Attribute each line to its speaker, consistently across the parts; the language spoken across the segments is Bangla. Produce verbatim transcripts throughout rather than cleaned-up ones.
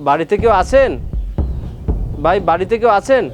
Speaker 1: বাড়িতে কেউ আছেন? ভাই বাড়িতে কেউ আছেন?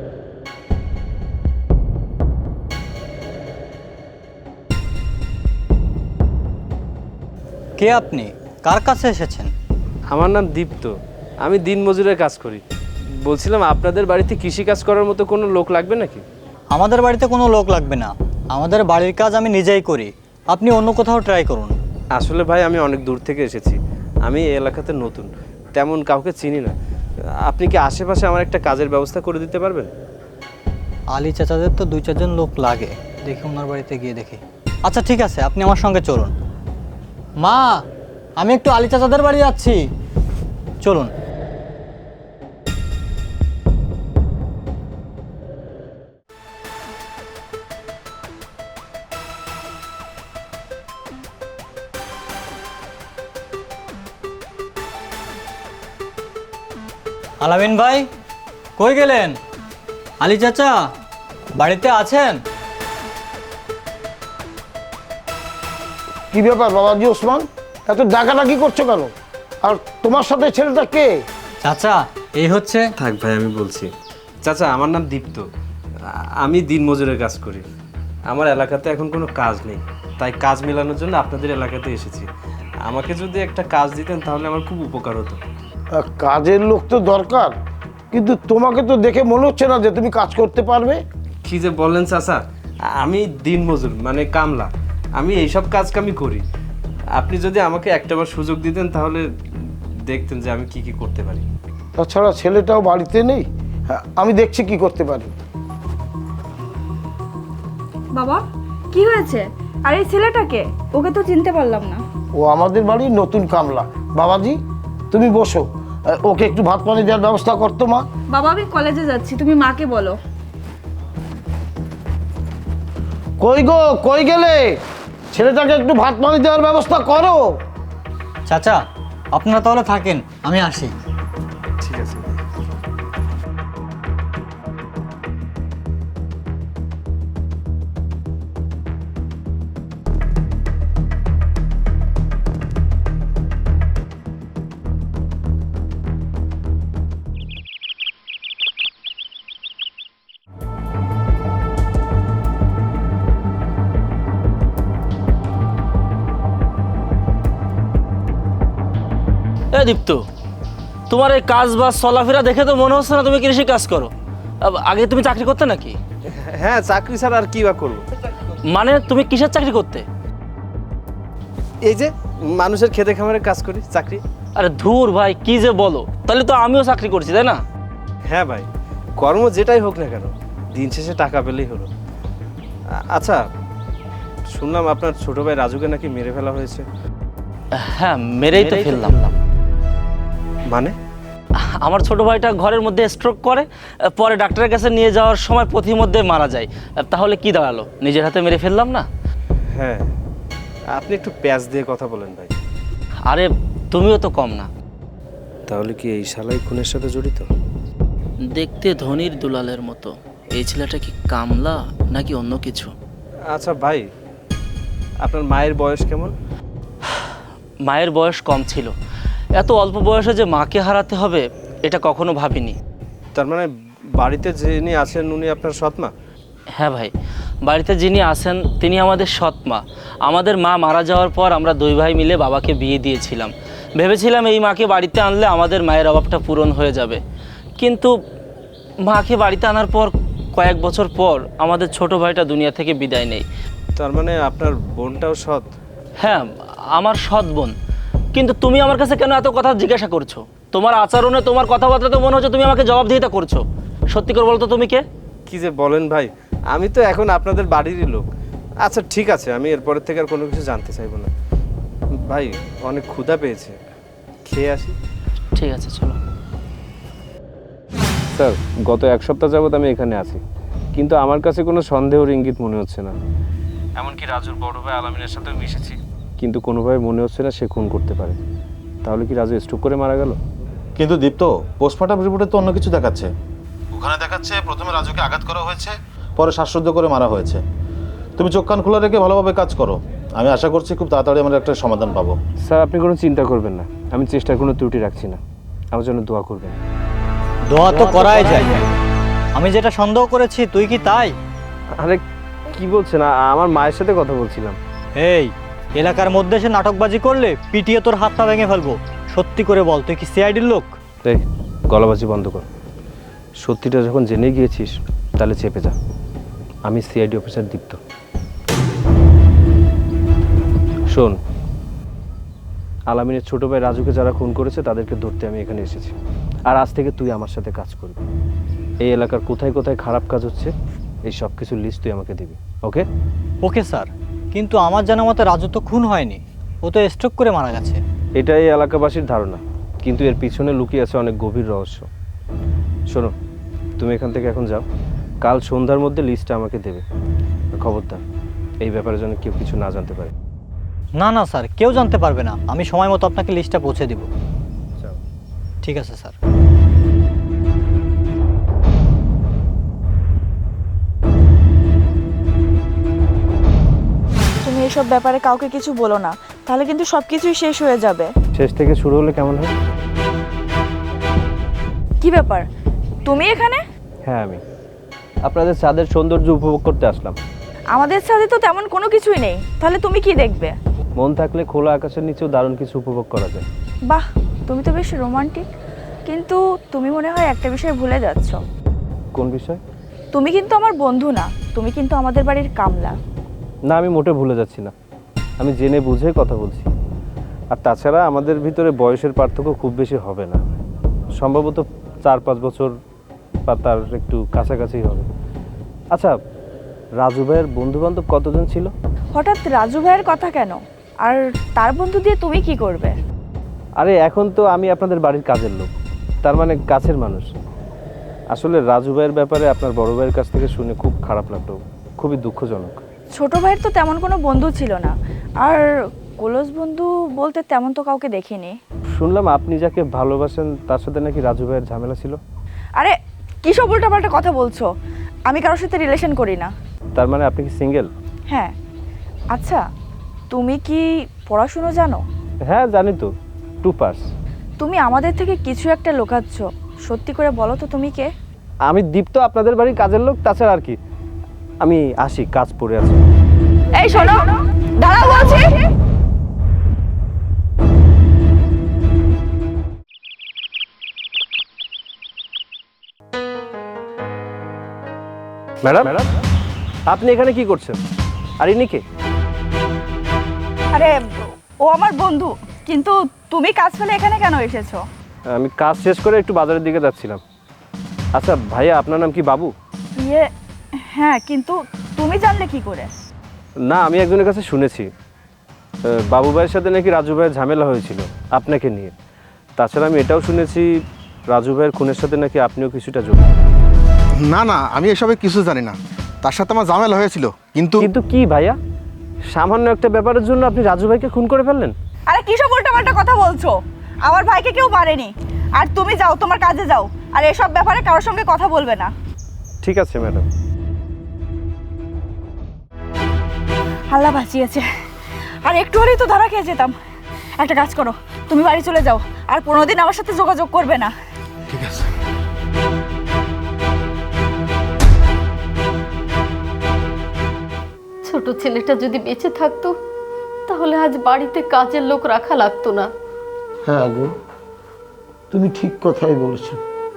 Speaker 2: কে আপনি? কার কাছে এসেছেন?
Speaker 1: আমার নাম দীপ্ত, আমি দিনমজুরের কাজ করি। বলছিলাম আপনাদের বাড়িতে কৃষি কাজ করার মতো কোনো লোক লাগবে নাকি?
Speaker 2: আমাদের বাড়িতে কোনো লোক লাগবে না, আমাদের বাড়ির কাজ আমি নিজেই করি। আপনি অন্য কোথাও ট্রাই করুন।
Speaker 1: আসলে ভাই আমি অনেক দূর থেকে এসেছি, আমি এই এলাকাতে নতুন, তেমন কাউকে চিনি না। আপনি কি আশেপাশে আমার একটা কাজের ব্যবস্থা করে দিতে পারবেন?
Speaker 2: আলী চাচাদের তো দুই চারজন লোক লাগে, দেখি ওনার বাড়িতে গিয়ে দেখি। আচ্ছা ঠিক আছে, আপনি আমার সঙ্গে চলুন। মা, আমি একটু আলী চাচাদের বাড়ি যাচ্ছি, চলুন। আলামিন ভাই, কই গেলেন? আলী চাচা বাড়িতে আছেন?
Speaker 3: কি ব্যাপার বাবাজি ওসমান, এত ডাকাডাকি করছো কেন? আর তোমার সাথে ছেলেটা কে?
Speaker 2: চাচা এই হচ্ছে।
Speaker 1: থাক ভাই আমি বলছি। চাচা আমার নাম দীপ্ত, আমি দিনমজুরের কাজ করি। আমার এলাকাতে এখন কোনো কাজ নেই, তাই কাজ মেলানোর জন্য আপনাদের এলাকাতে এসেছি। আমাকে যদি একটা কাজ দিতেন তাহলে আমার খুব উপকার হতো।
Speaker 3: আহ, কাজের লোক তো দরকার, কিন্তু তোমাকে তো দেখে মনে হচ্ছে না যে তুমি কাজ করতে পারবে।
Speaker 1: কি যে বললেন চাচা, আমি দিনমজুর মানে কামলা, আমি এইসব কাজ কামি করি। আপনি যদি আমাকে একটাবার সুযোগ দিতেন তাহলে দেখতেন যে আমি কি কি করতে পারি।
Speaker 3: তাছাড়া ছেলেটাও বাড়িতে নেই, হ্যাঁ, আমি দেখছি কি করতে পারি।
Speaker 4: বাবা কি হয়েছে? আর এই ছেলেটাকে, ওকে তো চিনতে পারলাম না।
Speaker 3: ও আমাদের বাড়ির নতুন কামলা। বাবাজি তুমি বসো, আহ, ওকে একটু ভাত পানি দেওয়ার ব্যবস্থা করতো মা।
Speaker 4: বাবা আমি কলেজে যাচ্ছি, তুমি মাকে বলো।
Speaker 3: কই গো, কই গেলে? ছেলেটাকে একটু ভাত পানি দেওয়ার ব্যবস্থা করো।
Speaker 2: চাচা আপনারা তাহলে থাকেন, আমি আসি।
Speaker 1: ঠিক আছে।
Speaker 5: এ দীপ্ত, তোমার এই কাজ বাজ চলাফেরা দেখে তো মনে হচ্ছে না তুমি কৃষি কাজ করো। আব- আগে তুমি চাকরি করতে নাকি?
Speaker 1: হ্যাঁ চাকরি ছাড়া আর কি বা করবো?
Speaker 5: মানে তুমি কিসের চাকরি করতে?
Speaker 1: এই যে মানুষের খেতে খামারে কাজ করি, চাকরি।
Speaker 5: আরে ধুর ভাই, কি যে বলো, তাহলে তো আমিও চাকরি করছি তাই না?
Speaker 1: হ্যাঁ ভাই, কর্ম যেটাই হোক না কেন দিন শেষে টাকা পেলেই হলো। আ- আচ্ছা শুনলাম আপনার ছোট ভাই রাজুকে নাকি মেরে ফেলা হয়েছে।
Speaker 5: হ্যাঁ মেরেই তো ফেললাম।
Speaker 1: মানে?
Speaker 5: আমার ছোট ভাইটা ঘরের মধ্যে স্ট্রোক করে, পরে ডাক্তারের কাছে নিয়ে যাওয়ার সময় পথির মধ্যে মারা যায়। তাহলে কি দাঁড়ালো, নিজের হাতে মেরে ফেললাম না?
Speaker 1: হ্যাঁ আপনি একটু প্যাঁচ দিয়ে কথা বলেন ভাই।
Speaker 5: আরে তুমিও তো কম না।
Speaker 1: তাহলে কি এই শালাই খুনের সাথে জড়িত?
Speaker 5: দেখতে ধনির দুলালের মতো, এই ছেলেটা কি কামলা নাকি অন্য কিছু?
Speaker 1: আচ্ছা ভাই, আপনার মায়ের বয়স কেমন?
Speaker 5: মায়ের বয়স কম ছিল, এত অল্প বয়সে যে মাকে হারাতে হবে এটা কখনো ভাবিনি।
Speaker 1: তার মানে বাড়িতে যিনি আছেন উনি আপনার সৎ মা?
Speaker 5: হ্যাঁ ভাই, বাড়িতে যিনি আছেন তিনি আমাদের সৎ মা। আমাদের মা মারা যাওয়ার পর আমরা দুই ভাই মিলে বাবাকে বিয়ে দিয়েছিলাম। ভেবেছিলাম এই মাকে বাড়িতে আনলে আমাদের মায়ের অভাবটা পূরণ হয়ে যাবে, কিন্তু মাকে বাড়িতে আনার পর কয়েক বছর পর আমাদের ছোট ভাইটা দুনিয়া থেকে বিদায় নেয়।
Speaker 1: তার মানে আপনার বোনটাও সৎ?
Speaker 5: হ্যাঁ আমার সৎ বোন। কিন্তু তুমি আমার কাছে কেন এত কথা জিজ্ঞাসা করছো? তোমার আচরণে, তোমার কথাবার্তা তো মনে হচ্ছে তুমি আমাকে জবাবদিহিতা করছো। সত্যি করে বলো তো তুমি কে?
Speaker 1: কি যে বলেন ভাই, আমি তো এখন আপনাদের বাড়িরই লোক। আচ্ছা ঠিক আছে, আমি এরপরের থেকে আর কোনো কিছু জানতে চাইবো না। ভাই অনেক ক্ষুধা পেয়েছে, খেয়ে আসি।
Speaker 5: ঠিক আছে চলো।
Speaker 1: স্যার গত এক সপ্তাহ যাবত আমি এখানে আছি, কিন্তু আমার কাছে কোনো সন্দেহের ইঙ্গিত মনে হচ্ছে না। এমনকি রাজুর বড় ভাই আলামিনের সাথেও মিশেছি, কিন্তু কোনোভাবে মনে হচ্ছে না সে খুন করতে পারে। তাহলে কি রাজু স্ট্রোক করে মারা গেল?
Speaker 6: কিন্তু দীপ্ত, পোস্টমর্টম রিপোর্টে তো অন্য কিছু দেখাচ্ছে। ওখানে দেখাচ্ছে প্রথমে রাজুকে আঘাত করা হয়েছে, পরে শ্বাসরুদ্ধ করে মারা হয়েছে। তুমি চোখ কান খোলা রেখে ভালোভাবে কাজ করো, আমি আশা করছি খুব তাড়াতাড়ি আমরা একটা সমাধান পাবো।
Speaker 1: স্যার আপনি কোনো চিন্তা করবেন না, আমি চেষ্টার কোনো ত্রুটি রাখছি না। আমার জন্য দোয়া করবেন।
Speaker 2: দোয়া তো করাই যায়। আমি যেটা সন্দেহ করেছি তুই কি তাই?
Speaker 1: আরে কি বলছেন? আ- আমার মায়ের সাথে কথা বলছিলাম।
Speaker 2: এই এলাকার মধ্যে এসে নাটকবাজি করলে পিটিয়ে তোর হাত পা ভেঙে ফেলবো। সত্যি করে বল, তুই কি সিআইডির লোক?
Speaker 1: এই গলাবাজি বন্ধ কর। সত্যিটা যখন জেনে গিয়েছিস তাহলে চেপে যা। আমি সিআইডি অফিসার দীপ্ত। শোন, আলামিনের ছোট ভাই রাজুকে যারা খুন করেছে তাদেরকে ধরতে আমি এখানে এসেছি। আর আজ থেকে তুই আমার সাথে কাজ করবি। এই এলাকার কোথায় কোথায় খারাপ কাজ হচ্ছে এই সব কিছুর লিস্ট তুই আমাকে দিবি, ওকে?
Speaker 2: ওকে স্যার, কিন্তু আমার জানা মতে রাজু তো খুন হয়নি, ও তো স্ট্রোক করে মারা গেছে।
Speaker 1: এটাই এই এলাকাবাসীর ধারণা, কিন্তু এর পিছনে লুকিয়ে আছে অনেক গভীর রহস্য। শোনো, তুমি এখান থেকে এখন যাও। কাল সন্ধ্যার মধ্যে লিস্টটা আমাকে দেবে। আর খবরদার এই ব্যাপারে যেন কেউ কিছু না জানতে পারে।
Speaker 2: না না স্যার, কেউ জানতে পারবে না। আমি সময় মতো আপনাকে লিস্টটা পৌঁছে দিব।
Speaker 1: যাও।
Speaker 2: ঠিক আছে স্যার।
Speaker 4: তুমি এসব ব্যাপারে কাউকে কিছু বলো না, তাহলে কিন্তু সব কিছুই শেষ হয়ে যাবে।
Speaker 1: শেষ থেকে শুরু হলে কেমন হয়?
Speaker 4: কি ব্যাপার, তুমি এখানে?
Speaker 1: হ্যাঁ, আমি আপনাদের ছাদের সৌন্দর্য উপভোগ করতে আসলাম।
Speaker 4: আমাদের সাথে তো তেমন কোনো কিছুই নেই, তাহলে তুমি কি দেখবে?
Speaker 1: মন থাকলে খোলা আকাশের নিচেও দারুণ কিছু উপভোগ করা যায়।
Speaker 4: বাহ, তুমি তো বেশ রোমান্টিক। কিন্তু তুমি মনে হয় একটা বিষয় ভুলে যাচ্ছ।
Speaker 1: কোন বিষয়?
Speaker 4: তুমি কিন্তু আমার বন্ধু না, তুমি কিন্তু আমাদের বাড়ির কামলা।
Speaker 1: না, আমি মোটে ভুলে যাচ্ছি না। আমি জেনে বুঝে কথা বলছি। আর তাছাড়া আমাদের ভিতরে বয়সের পার্থক্য খুব বেশি হবে না, সম্ভবত চার পাঁচ বছর বা তার একটু কাছাকাছি হবে। আচ্ছা, রাজু ভাইয়ের বন্ধু বান্ধব কতজন ছিল?
Speaker 4: হঠাৎ রাজু ভাইয়ের কথা কেন? আর তার বন্ধু দিয়ে তুমি কি করবে?
Speaker 1: আরে এখন তো আমি আপনাদের বাড়ির কাজের লোক, তার মানে কাছের মানুষ। আসলে রাজু ভাইয়ের ব্যাপারে আপনার বড় ভাইয়ের কাছ থেকে শুনে খুব খারাপ লাগলো, খুবই দুঃখজনক।
Speaker 4: ছোট ভাইয়ের তো তেমন কোনো বন্ধু ছিল না, আর ক্লোজ বন্ধু বলতে তেমন তো কাউকে দেখিনি।
Speaker 1: শুনলাম আপনি যাকে ভালোবাসেন তার সাথে নাকি রাজু ভাইয়ের ঝামেলা ছিল।
Speaker 4: আরে কী সব উল্টাপাল্টা কথা বলছো? আমি কারোর সাথে রিলেশন করি না।
Speaker 1: তার মানে আপনি কি সিঙ্গেল?
Speaker 4: হ্যাঁ। আচ্ছা, তুমি কি পড়াশুনো জানো?
Speaker 1: হ্যাঁ জানি তো, টু পাস।
Speaker 4: তুমি আমাদের থেকে কিছু একটা লুকাচ্ছ, সত্যি করে বলো তো তুমি কে?
Speaker 1: আমি দীপ্ত, আপনাদের বাড়ির কাজের লোক, তাছাড়া আর কি। আমি আসি, কাজ পড়ে আছে।
Speaker 4: এই শোনো, দাঁড়াও বলছি।
Speaker 1: ম্যাডাম, আপনি এখানে কি করছেন? আর ইনি কে?
Speaker 4: আরে ও আমার বন্ধু, কিন্তু তুমি কাজ ফেলে এখানে কেন এসেছো?
Speaker 1: আমি কাজ শেষ করে একটু বাজারের দিকে যাচ্ছিলাম। আচ্ছা ভাইয়া, আপনার নাম কি বাবু?
Speaker 4: ইয়ে হ্যাঁ, কিন্তু তুমি জানলে কি করে?
Speaker 1: না, আমি একজনের কাছে শুনেছি আহ, বাবু ভাইয়ের সাথে নাকি রাজু ভাইয়ের ঝামেলা হয়েছিল আপনাকে নিয়ে। তাছাড়া আমি এটাও শুনেছি রাজু ভাইয়ের খুনের সাথে নাকি আপনিও কিছুটা জড়িত।
Speaker 7: না না, আমি এসবে কিছু জানি না। তার সাথে আমার ঝামেলা হয়েছিল, কিন্তু
Speaker 1: কিন্তু কি ভাইয়া, সামান্য একটা ব্যাপারের জন্য আপনি রাজু ভাইকে খুন করে ফেললেন?
Speaker 4: আরে কি সব উল্টাপাল্টা কথা বলছো? আমার ভাইকে কেউ মারেনি। আর তুমি যাও, তোমার কাজে যাও, আর এসব ব্যাপারে কারোর সঙ্গে কথা বলবে না।
Speaker 1: ঠিক আছে ম্যাডাম।
Speaker 4: আল্লাহ বাঁচিয়েছে, আর একটু হলেই তো ধরা খেয়ে যেতাম। একটা কাজ করো, তুমি বাড়ি চলে যাও, আর পনেরো দিন আমার সাথে যোগাযোগ করবে না।
Speaker 7: ঠিক আছে।
Speaker 8: ছোট ছেলেটা যদি বেঁচে থাকতো তাহলে আজ বাড়িতে কাজের লোক রাখা লাগতো না।
Speaker 3: হ্যাঁ গো, তুমি ঠিক কথাই বলেছ।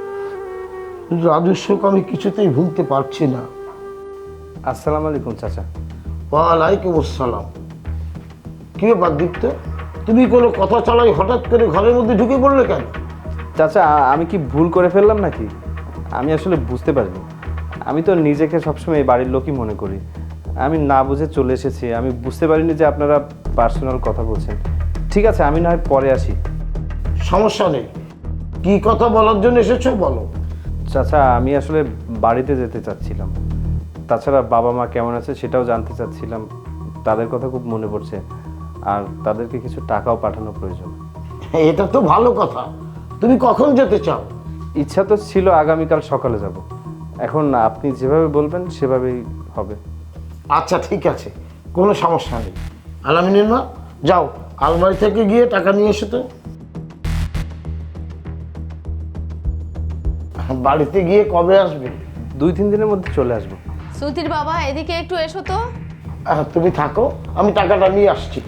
Speaker 3: রাজুর শোক আমি কিছুতেই ভুলতে পারছি না।
Speaker 1: আসসালামু আলাইকুম চাচা।
Speaker 3: ওয়ালাইকুম আসসালাম। কি ব্যাপার দীপ্ত, তুমি কোনো কথা চালাই হঠাৎ করে ঘরের মধ্যে ঢুকে পড়লে কেন?
Speaker 1: চাচা, আমি কি ভুল করে ফেললাম নাকি? আমি আসলে বুঝতে পারিনি। আমি তো নিজেকে সবসময় এই বাড়ির লোকই মনে করি। আমি না বুঝে চলে এসেছি। আমি বুঝতে পারিনি যে আপনারা পার্সোনাল কথা বলছেন। ঠিক আছে, আমি না হয় পরে আসি।
Speaker 3: সমস্যা নেই, কি কথা বলার জন্য এসেছো বলো।
Speaker 1: চাচা, আমি আসলে বাড়িতে যেতে চাচ্ছিলাম। তাছাড়া বাবা মা কেমন আছে সেটাও জানতে চাচ্ছিলাম। তাদের কথা খুব মনে পড়ছে, আর তাদেরকে কিছু টাকাও পাঠানো প্রয়োজন।
Speaker 3: এটা তো ভালো কথা। তুমি কখন যেতে চাও?
Speaker 1: ইচ্ছা তো ছিল আগামীকাল সকালে যাব। এখন আপনি যেভাবে বলবেন সেভাবেই হবে।
Speaker 3: আচ্ছা ঠিক আছে, কোনো সমস্যা নেই। আলামিনের মা, যাও আলমারি থেকে গিয়ে টাকা নিয়ে এসো তো। বাড়িতে গিয়ে কবে আসবে?
Speaker 1: দুই তিন দিনের মধ্যে চলে আসবো।
Speaker 8: সুধীর বাবা, এদিকে একটু এসো তো।
Speaker 3: আহ, তুমি থাকো, আমি টাকাটা নিয়ে আসছি।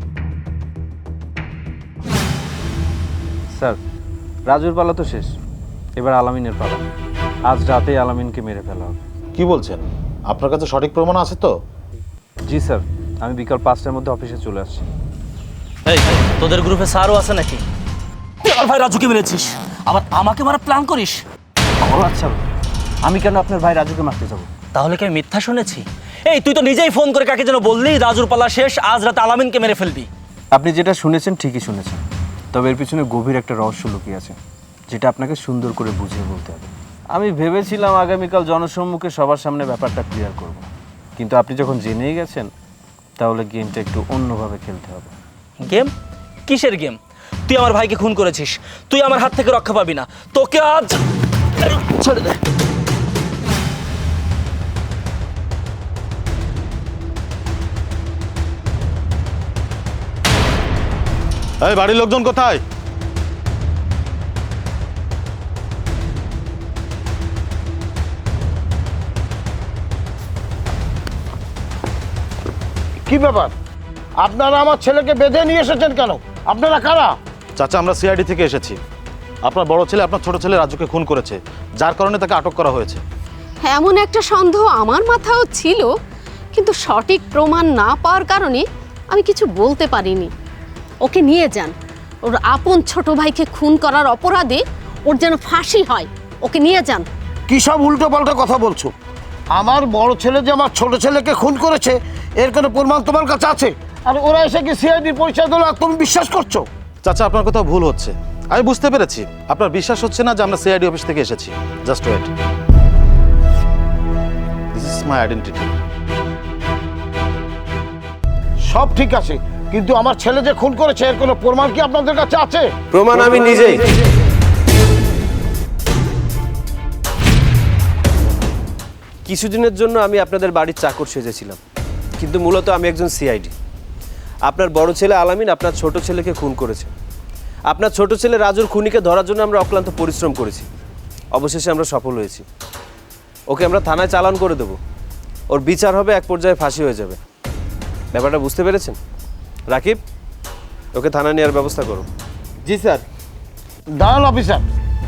Speaker 1: স্যার, রাজুর পালা তো শেষ, এবার আলামিনের পালা। আজ রাতেই আলামিনকে মেরে ফেলা হবে।
Speaker 6: কি বলছেন? আপনার কাছে সঠিক প্রমাণ আছে তো?
Speaker 1: জি স্যার, আমি বিকাল পাঁচটার মধ্যে অফিসে চলে আসছি।
Speaker 5: এই তোদের গ্রুপে স্যারও আছে নাকি? তুই আমার ভাই রাজুকে মেরেছিস, আবার আমাকে মারা প্ল্যান করিস?
Speaker 1: ও আচ্ছা, আমি কেন আপনার ভাই রাজুকে মারতে যাব?
Speaker 5: তাহলে কি আমি মিথ্যা শুনেছি? এই তুই তো নিজেই ফোন করে কাকে যেন বললি রাজুর পালা শেষ, আজ রাতে আলামিনকে মেরে ফেলবি।
Speaker 1: আপনি যেটা শুনেছেন ঠিকই শুনেছেন, তবে এর পিছনে গভীর একটা রহস্য লুকিয়ে আছে, যেটা আপনাকে সুন্দর করে বুঝিয়ে বলতে হবে। আমি ভেবেছিলাম আগামীকাল জনসম্মুখে সবার সামনে ব্যাপারটা ক্লিয়ার করব, কিন্তু আপনি যখন জেনেই গেছেন, তাহলে গেমটা একটু অন্যভাবে খেলতে হবে।
Speaker 5: গেম? কিসের গেম? তুই আমার ভাইকে খুন করেছিস, তুই আমার হাত থেকে রক্ষা পাবি না। তোকে আজ ছেড়ে দে।
Speaker 6: এই বাড়ির লোকজন কোথায়?
Speaker 3: কি ব্যাপার? আপনারা আমার ছেলেকে বেঁধে নিয়ে এসেছেন কেন? আপনারা কারা?
Speaker 6: চাচা, আমরা সিআইডি থেকে এসেছি। আপনার বড় ছেলে আপনার ছোট ছেলে রাজুকে খুন করেছে, যার কারণে তাকে আটক করা হয়েছে।
Speaker 8: এমন একটা সন্দেহ আমার মাথাও ছিল, কিন্তু সঠিক প্রমাণ না পাওয়ার কারণে আমি কিছু বলতে পারিনি। ওকে নিয়ে যান, ওর আপন ছোট ভাইকে খুন করার অপরাধে ওর যেন ফাঁসি হয়। ওকে নিয়ে যান।
Speaker 3: কি সব উল্টো পাল্টা কথা বলছো? আমার বড় ছেলে যে আমার ছোট ছেলেকে খুন করেছে, এর কোনো প্রমাণ তোমার কাছে আছে? আর ওরা এসে কি সিআইডি পরিচয় দিল আর তুমি বিশ্বাস করছো?
Speaker 6: চাচা, আপনার কোথাও ভুল হচ্ছে। আমি বুঝতে পেরেছি আপনার বিশ্বাস হচ্ছে না যে আমরা সিআইডি অফিস থেকে এসেছি। Just wait, this is my identity.
Speaker 3: সব ঠিক আছে, কিন্তু আমার ছেলে যে খুন করেছে এর কোনো প্রমাণ কি আপনাদের কাছে আছে?
Speaker 1: প্রমাণ আমি নিজেই। কিছুদিনের জন্য আমি আপনাদের বাড়ির চাকর সেজেছিলাম, কিন্তু মূলত আমি একজন সিআইডি। আপনার বড় ছেলে আলামিন আপনার ছোট ছেলেকে খুন করেছে। আপনার ছোট ছেলে রাজুর খুনিকে ধরার জন্য আমরা অক্লান্ত পরিশ্রম করেছি। অবশেষে আমরা সফল হয়েছি। ওকে আমরা থানায় চালান করে দেব, ওর বিচার হবে, এক পর্যায়ে ফাঁসি হয়ে যাবে। ব্যাপারটা বুঝতে পেরেছেন? রাকিব, ওকে থানায় নেওয়ার ব্যবস্থা করো।
Speaker 7: জি স্যার।
Speaker 3: দাঁড়ান অফিসার,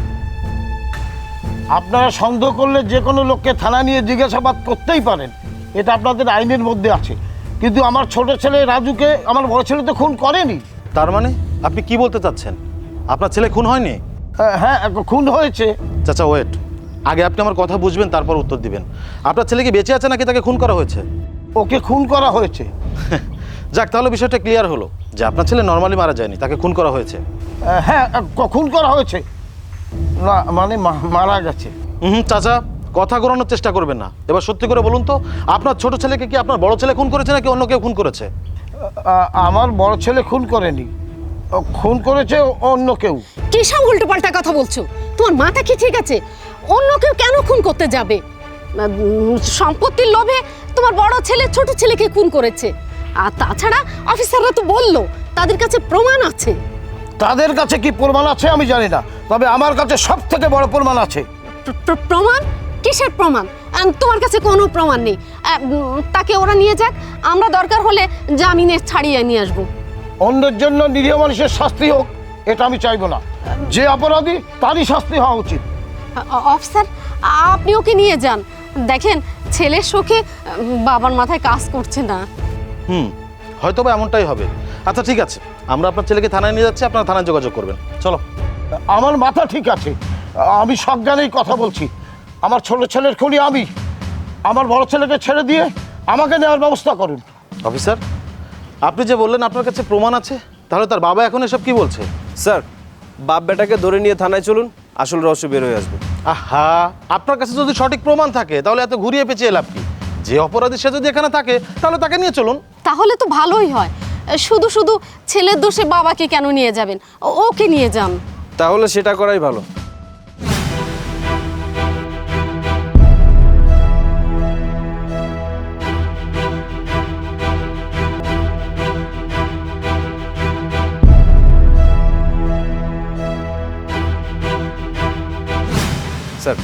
Speaker 3: আপনারা সন্দেহ করলে যে কোনো লোককে থানা নিয়ে জিজ্ঞাসাবাদ করতেই পারেন, এটা আপনাদের আইনের মধ্যে আছে। কিন্তু আমার ছোট ছেলে রাজুকে আমার বড় ছেলে তো খুন করেনি।
Speaker 6: তার মানে আপনি কি বলতে চাচ্ছেন? আপনার ছেলে খুন হয়নি?
Speaker 3: হ্যাঁ, হ্যাঁ খুন হয়েছে।
Speaker 6: চাচা ওয়েট, আগে আপনি আমার কথা বুঝবেন, তারপর উত্তর দিবেন। আপনার ছেলে কি বেঁচে আছে নাকি তাকে খুন করা হয়েছে?
Speaker 3: ওকে খুন করা হয়েছে।
Speaker 6: যাক, তাহলে বিষয়টা ক্লিয়ার হলো যে আপনার ছেলে নর্মালি মারা যায়নি, তাকে খুন করা হয়েছে।
Speaker 3: হ্যাঁ, খুন করা হয়েছে না, মানে মা- মারা গেছে।
Speaker 6: হুম চাচা, কথা ঘোরানোর চেষ্টা করবেন না। এবার সত্যি করে বলুন তো, আপনার ছোট ছেলেকে কি আপনার বড় ছেলে খুন করেছে নাকি অন্য কেউ খুন করেছে?
Speaker 3: আ- আমার বড় ছেলে খুন করেনি, ও খুন করেছে অন্য কেউ।
Speaker 8: কি সব উল্টোপাল্টা কথা বলছো? তোমার মাথা কি ঠিক আছে? অন্য কেউ কেন খুন করতে যাবে? উম, সম্পত্তির লোভে তোমার বড় ছেলে ছোট ছেলেকে খুন করেছে। আর তাছাড়া অফিসাররা তো বললো তাদের কাছে প্রমাণ আছে।
Speaker 3: তাদের কাছে কি প্রমাণ আছে আমি জানি না, তবে আমার কাছে সব থেকে বড় প্রমাণ আছে।
Speaker 8: প্র- প্র- প্রমাণ? কিসের প্রমাণ? আহ, তোমার কাছে কোনো প্রমাণ নেই। আহ, উম, তাকে ওরা নিয়ে যাক, আমরা দরকার হলে জামিনে ছাড়িয়ে নিয়ে আসবো।
Speaker 3: অন্যের জন্য নিরীহ মানুষের শাস্তি হোক, এটা আমি চাইবো না। যে অপরাধী তারই শাস্তি হওয়া উচিত।
Speaker 8: আ- অফিসার, আপনি ওকে নিয়ে যান। দেখেন, ছেলের শোকে উম, বাবার মাথায় কাজ করছে না।
Speaker 6: হুম, হয়তো বা এমনটাই হবে। আচ্ছা ঠিক আছে, আমরা আপনার ছেলেকে থানায় নিয়ে যাচ্ছি, আপনারা থানায় যোগাযোগ করবেন। চলো।
Speaker 3: আমার মাথা ঠিক আছে, আমি সজ্ঞানেই কথা বলছি। আমার ছোট ছেলের খুনি আমি। আমার বড় ছেলেকে ছেড়ে দিয়ে আমাকে নেওয়ার ব্যবস্থা করুন।
Speaker 6: অফিসার, আপনি যে বললেন আপনার কাছে প্রমাণ আছে, তাহলে তার বাবা এখন এসব কি বলছে?
Speaker 1: স্যার, বাপ বেটাকে ধরে নিয়ে থানায় চলুন, আসল রহস্য বের হয়ে আসবে।
Speaker 6: আহা, আপনার কাছে যদি সঠিক প্রমাণ থাকে তাহলে এত ঘুরিয়ে পেঁচিয়ে লাভ কি? যে অপরাধী সে যদি এখানে থাকে তাহলে তাকে নিয়ে চলুন।
Speaker 8: তাহলে তো ভালোই হয়। শুধু শুধু ছেলের দোষে বাবাকে কেন নিয়ে যাবেন? ও- ওকে নিয়ে যান।
Speaker 1: তাহলে সেটা করাই ভালো। স্যার,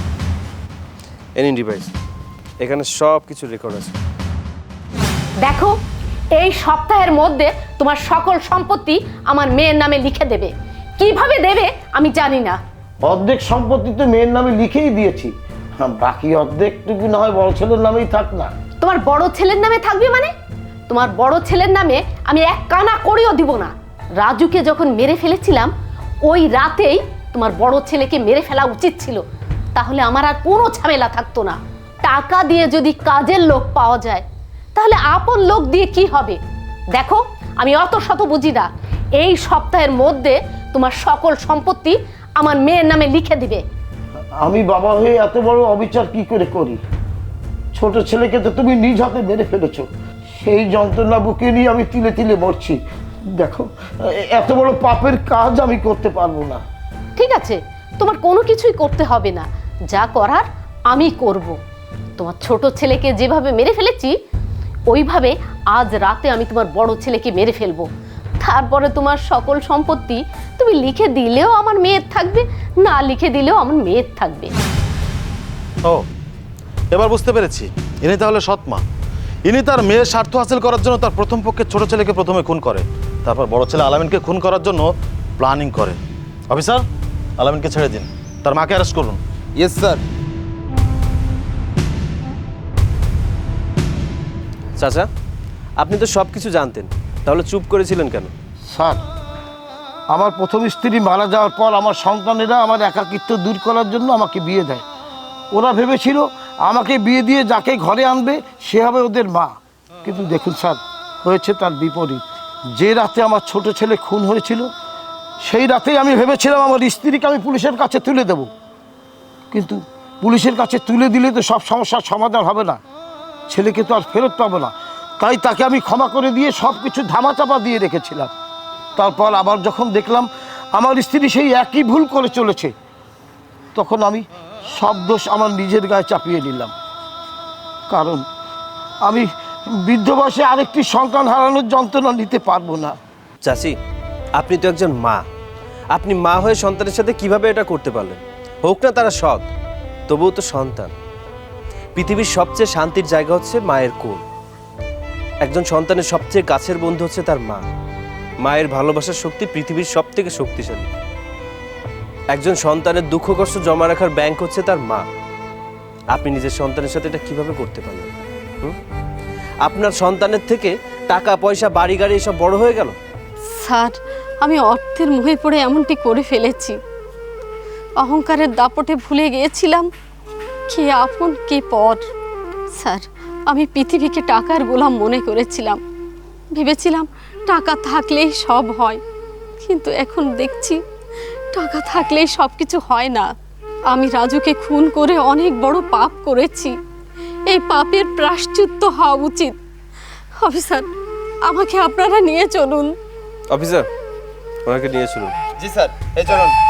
Speaker 1: এনি ডিভাইস, এখানে সব কিছু রেকর্ড আছে।
Speaker 8: দেখো, এই সপ্তাহের মধ্যে তোমার সকল সম্পত্তি আমার মেয়ের নামে লিখে দেবে। কিভাবে দেবে আমি জানি না।
Speaker 3: অর্ধেক সম্পত্তি তো মেয়ের নামে লিখেই দিয়েছি, হ্যাঁ, বাকি অর্ধেকটুকু না হয় বড় ছেলের নামেই থাক না।
Speaker 8: তোমার বড় ছেলের নামে থাকবে মানে? তোমার বড় ছেলের নামে আমি এক কানা করেও দিব না। রাজুকে যখন মেরে ফেলেছিলাম ওই রাতেই তোমার বড় ছেলেকে মেরে ফেলা উচিত ছিল, তাহলে আমার আর কোনো ঝামেলা থাকতো না। টাকা দিয়ে যদি কাজের লোক পাওয়া যায় তাহলে আপন লোক দিয়ে কি হবে? দেখো, আমি অত শত বুঝি না। এই সপ্তাহের মধ্যে তোমার সকল সম্পত্তি আমার মেয়ের নামে লিখে দিবে।
Speaker 3: আমি বাবা হয়ে এত বড় অবিচার কি করে করি? ছোট ছেলেকে তো তুমি নিজ হাতে মেরে ফেলেছো, সেই যন্ত্রণা বুকে নিয়ে আমি তিলে তিলে মরছি। দেখো, এত বড় পাপের কাজ আমি করতে পারবো না।
Speaker 8: ঠিক আছে, তোমার কোনো কিছুই করতে হবে না, যা করার আমি করব। তোমার ছোট ছেলেকে যেভাবে মেরে ফেলেছি ওইভাবে আজ রাতে আমি তোমার বড় ছেলেকে মেরে ফেলবো। তারপরে তোমার সকল সম্পত্তি তুমি লিখে দিলেও আমার মেয়ের থাকবে, না লিখে দিলেও আমার মেয়ের থাকবে।
Speaker 6: ও, এবার বুঝতে পেরেছি, ইনি তাহলে সৎ মা। ইনি তার মেয়ের স্বার্থ হাসিল করার জন্য তার প্রথম পক্ষে ছোট ছেলেকে প্রথমে খুন করে, তারপর বড় ছেলে আলামিনকে খুন করার জন্য প্ল্যানিং করে। অফিসার, আলামিনকে ছেড়ে দিন, তার মাকে অ্যারেস্ট করুন।
Speaker 7: Yes sir.
Speaker 1: চাচা, আপনি তো সব কিছু জানতেন, তাহলে চুপ করেছিলেন কেন?
Speaker 3: স্যার, আমার প্রথম স্ত্রী মারা যাওয়ার পর আমার সন্তানেরা আমার একাকিত্ব দূর করার জন্য আমাকে বিয়ে দেয়। ওরা ভেবেছিল আমাকে বিয়ে দিয়ে যাকে ঘরে আনবে সে হবে ওদের মা, কিন্তু দেখুন স্যার, হয়েছে তার বিপরীত। যে রাতে আমার ছোট ছেলে খুন হয়েছিল সেই রাতেই আমি ভেবেছিলাম আমার স্ত্রীকে আমি পুলিশের কাছে তুলে দেব, কিন্তু পুলিশের কাছে তুলে দিলে তো সব সমস্যার সমাধান হবে না, ছেলেকে তো আর ফেরত পাবো না। তাই তাকে আমি ক্ষমা করে দিয়ে সব কিছু ধামাচাপা দিয়ে রেখেছিলাম। তারপর আবার যখন দেখলাম আমার স্ত্রী সেই একই ভুল করে চলেছে, তখন আমি সব দোষ আমার নিজের গায়ে চাপিয়ে নিলাম। কারণ আমি বৃদ্ধ বয়সে আরেকটি সন্তান হারানোর যন্ত্রণা নিতে পারবো না।
Speaker 1: চাচি, আপনি তো একজন মা, আপনি মা হয়ে সন্তানের সাথে কিভাবে এটা করতে পারলেন? হোক না তারা সৎ, তবুও তো সন্তান। পৃথিবীর সবচেয়ে শান্তির জায়গা হচ্ছে মায়ের কোল। একজন সন্তানের সবচেয়ে কাছের বন্ধু হচ্ছে তার মা। মায়ের ভালোবাসার শক্তি পৃথিবীর সব থেকে শক্তিশালী। একজন সন্তানের দুঃখ কষ্ট জমা রাখার ব্যাংক হচ্ছে তার মা। আপনি নিজের সন্তানের সাথে এটা কিভাবে করতে পারলেন? হুম? আপনার সন্তানের থেকে টাকা পয়সা বাড়ি গাড়ি এসব বড় হয়ে গেল।
Speaker 8: স্যার, আমি অর্থের মোহে পড়ে এমনটি করে ফেলেছি। অহংকারের দাপটে ভুলে গিয়েছিলাম কে আপন কে পর। স্যার, আমি পৃথিবীকে টাকার গোলাম মনে করেছিলাম, ভেবেছিলাম টাকা থাকলেই সব হয়, কিন্তু এখন দেখছি টাকা থাকলেই সব কিছু হয় না। আমি রাজুকে খুন করে অনেক বড় পাপ করেছি, এই পাপের প্রায়শ্চিত্ত হওয়া উচিত। অফিসার, আমাকে আপনারা নিয়ে চলুন।
Speaker 1: অফিসার, ওনাকে নিয়ে চলুন।
Speaker 7: জি স্যার, এই চলুন।